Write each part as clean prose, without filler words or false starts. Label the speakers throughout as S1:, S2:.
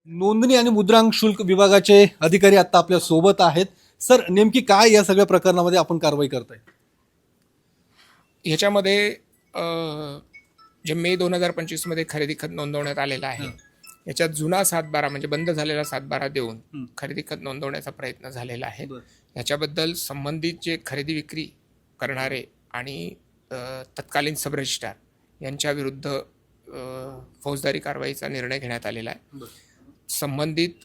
S1: नोंदणी आणि मुद्रांक शुल्क विभागाचे अधिकारी आता आपल्या सोबत आहेत. सर, नेमकी काय या सगळ्या प्रकरणामध्ये आपण कारवाई करताय?
S2: ह्याच्यामध्ये जे मे 2025 मध्ये खरेदी खत नोंदवण्यात आलेला आहे, याच्यात जुना 7/12 म्हणजे बंद झालेला 7/12 देऊन खरेदी खत नोंदवण्याचा प्रयत्न झालेला आहे. याच्याबद्दल संबंधित जे खरेदी विक्री करणारे आणि तत्कालीन सब रजिस्ट्रार यांच्या विरुद्ध फौजदारी कारवाईचा निर्णय घेण्यात आलेला आहे. संबंधित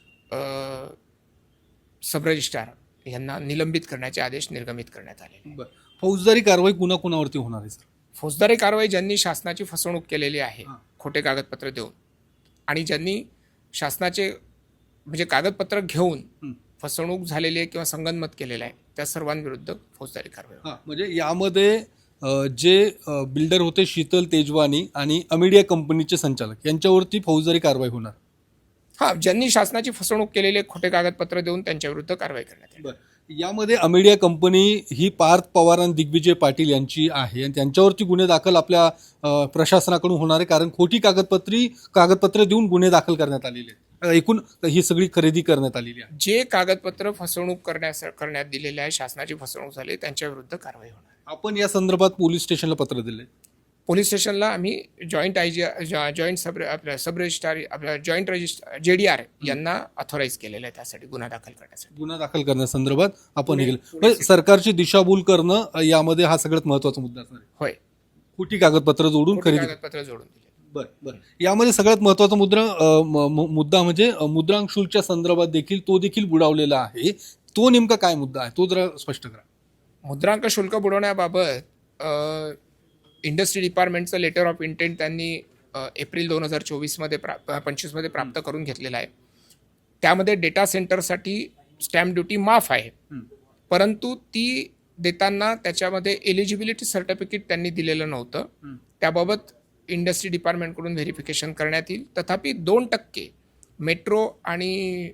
S2: सब रजिस्ट्रार यांना निलंबित करण्याचे आदेश निर्गमित करण्यात आले.
S1: फौजदारी कारवाई कुणाकुणावरती होणार आहे सर?
S2: फौजदारी कारवाई ज्यांनी शासनाची फसवणूक केलेली आहे खोटे कागदपत्र देऊन आणि ज्यांनी शासनाचे म्हणजे कागदपत्र घेऊन फसवणूक झालेली आहे किंवा संगनमत केलेलं आहे त्या सर्वांविरुद्ध फौजदारी कारवाई.
S1: म्हणजे यामध्ये जे बिल्डर होते शीतल तेजवानी आणि अमिडिया कंपनीचे संचालक यांच्यावरती फौजदारी कारवाई होणार.
S2: ज्यांनी शासनाची फसवणूक केलेले खोटे कागदपत्र देऊन त्यांच्या विरुद्ध कारवाई करण्यात येईल.
S1: यामध्ये अमिडिया कंपनी ही पार्थ पवार आणि दिग्विजय पाटील यांची आहे आणि त्यांच्यावरती गुन्हे दाखल आपल्या प्रशासनाकडून होणार आहे, कारण खोटी कागदपत्र देऊन गुन्हे दाखल करण्यात आलेले आहेत. एकूण ही सगळी खरेदी करण्यात आलेली आहे.
S2: जे कागदपत्र फसवणूक करण्यात दिलेले आहे, शासनाची फसवणूक झाली, त्यांच्या विरुद्ध कारवाई होणार.
S1: आपण या संदर्भात पोलीस स्टेशनला पत्र दिले?
S2: पोलीस स्टेशनला आम्ही जॉईंट सब रजिस्ट्रार आपल्या जॉईंट रजिस्ट्रार JDR यांना ऑथोराईज केलेलं आहे त्यासाठी गुन्हा दाखल करण्यासाठी.
S1: गुन्हा दाखल करण्यासंदर्भात आपण हे केलं. सरकारची दिशाभूल करणं यामध्ये हा सगळ्यात महत्त्वाचा मुद्दा असणार आहे.
S2: होय,
S1: खोटी कागदपत्र जोडून खरेदी.
S2: कागदपत्र जोडून दिले.
S1: बरं. यामध्ये सगळ्यात महत्त्वाचा मुद्दा म्हणजे मुद्रांक शुल्कच्या संदर्भात देखील तो देखील बुडावलेला आहे. तो नेमका काय मुद्दा आहे तो जरा स्पष्ट करा.
S2: मुद्रांक शुल्क बुडवण्याबाबत इंडस्ट्री डिपार्टमेंटचं लेटर ऑफ इंटेंट त्यांनी एप्रिल 2024 मध्ये 25 मध्ये प्राप्त करून घेतलेला आहे. त्यामध्ये डेटा सेंटरसाठी स्टॅम्प ड्युटी माफ आहे, परंतु ती देताना त्याच्यामध्ये एलिजिबिलिटी सर्टिफिकेट त्यांनी दिलेलं नव्हतं. त्याबाबत इंडस्ट्री डिपार्टमेंटकडून व्हेरिफिकेशन करण्यात येईल. तथापि 2% मेट्रो आणि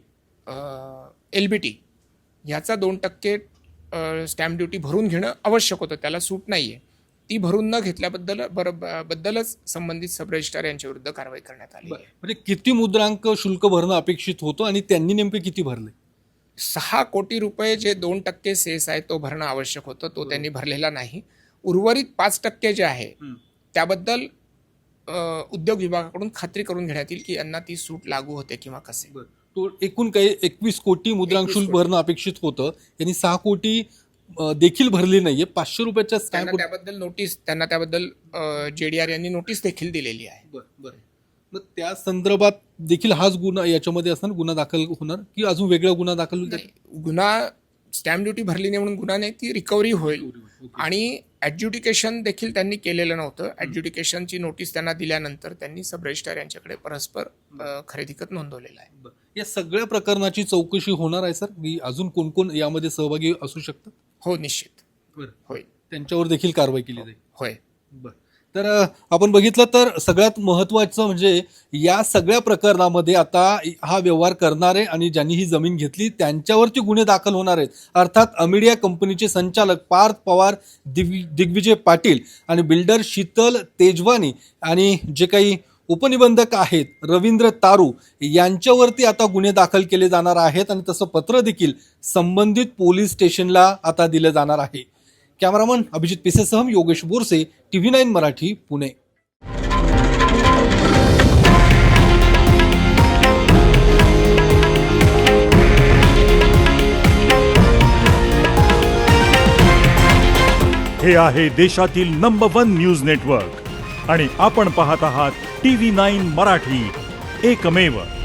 S2: LBT ह्याचा 2% स्टॅम्प ड्युटी भरून घेणं आवश्यक होतं, त्याला सूट नाही आहे. ती भरून न घेतल्याबद्दलच संबंधित सब रजिस्ट्रार यांच्या विरुद्ध कारवाई करण्यात आली आहे.
S1: म्हणजे किती मुद्रांक शुल्क भरणं अपेक्षित होतं आणि त्यांनी नेमके किती भरले?
S2: 6 कोटी रुपये जे 2% सेस आहे तो भरणं आवश्यक होतं, तो त्यांनी भरलेला नाही. उर्वरित 5% जे आहे त्याबद्दल उद्योग विभागाकडून खात्री करून घेण्यात येईल की यांना ती सूट लागू होते किंवा कसे.
S1: तो एकूण काही 21 कोटी मुद्रांक शुल्क भरणं अपेक्षित होतं, यांनी 6 कोटी देखील भरली नाहीये. 500 रुपयाच्या
S2: त्यांना त्याबद्दल JDR यांनी नोटीस देखील दिलेली आहे.
S1: बरं. मग त्या संदर्भात देखील हाच गुन्हा याच्यामध्ये असणार, गुन्हा दाखल होणार की अजून वेगळा गुन्हा दाखल होईल?
S2: गुन्हा स्टॅम्प ड्युटी भरली नाही म्हणून गुन्हा नाही, ती रिकव्हरी होईल. आणि ॲड्ज्युडिकेशन देखील त्यांनी केलेलं नव्हतं. ॲड्ज्युडिकेशनची नोटीस त्यांना दिल्यानंतर त्यांनी सब रजिस्ट्रार यांच्याकडे परस्पर खरेदी खत नोंदवलेलं आहे.
S1: या सगळ्या प्रकरणाची चौकशी होणार आहे सर, की अजून कोण कोण यामध्ये सहभागी असू शकतात?
S2: हो, निश्चित.
S1: होय, त्यांच्यावर देखील कारवाई केली जाईल.
S2: होय.
S1: तर आपण बघितलं तर सगळ्यात महत्त्वाचं म्हणजे या सगळ्या प्रकरणामध्ये आता हा व्यवहार करणारे आणि ज्यांनी ही जमीन घेतली त्यांच्यावरती गुन्हे दाखल होणार आहेत. अर्थात अमिडिया कंपनीचे संचालक पार्थ पवार, दिग्विजय पाटील आणि बिल्डर शीतल तेजवानी आणि जे काही उपनिबंधक आहेत रवींद्र तारू यांच्यावरती आता गुन्हे दाखल केले जाणार आहेत आणि तसं पत्र देखील संबंधित पोलीस स्टेशनला आता दिलं जाणार आहे. कॅमेरामन अभिजित पिसेसह योगेश बोरसे, TV9 मराठी, पुणे.
S3: हे आहे देशातील नंबर 1 न्यूज नेटवर्क आणि आपण पाहत आहात TV9 मराठी, एकमेव.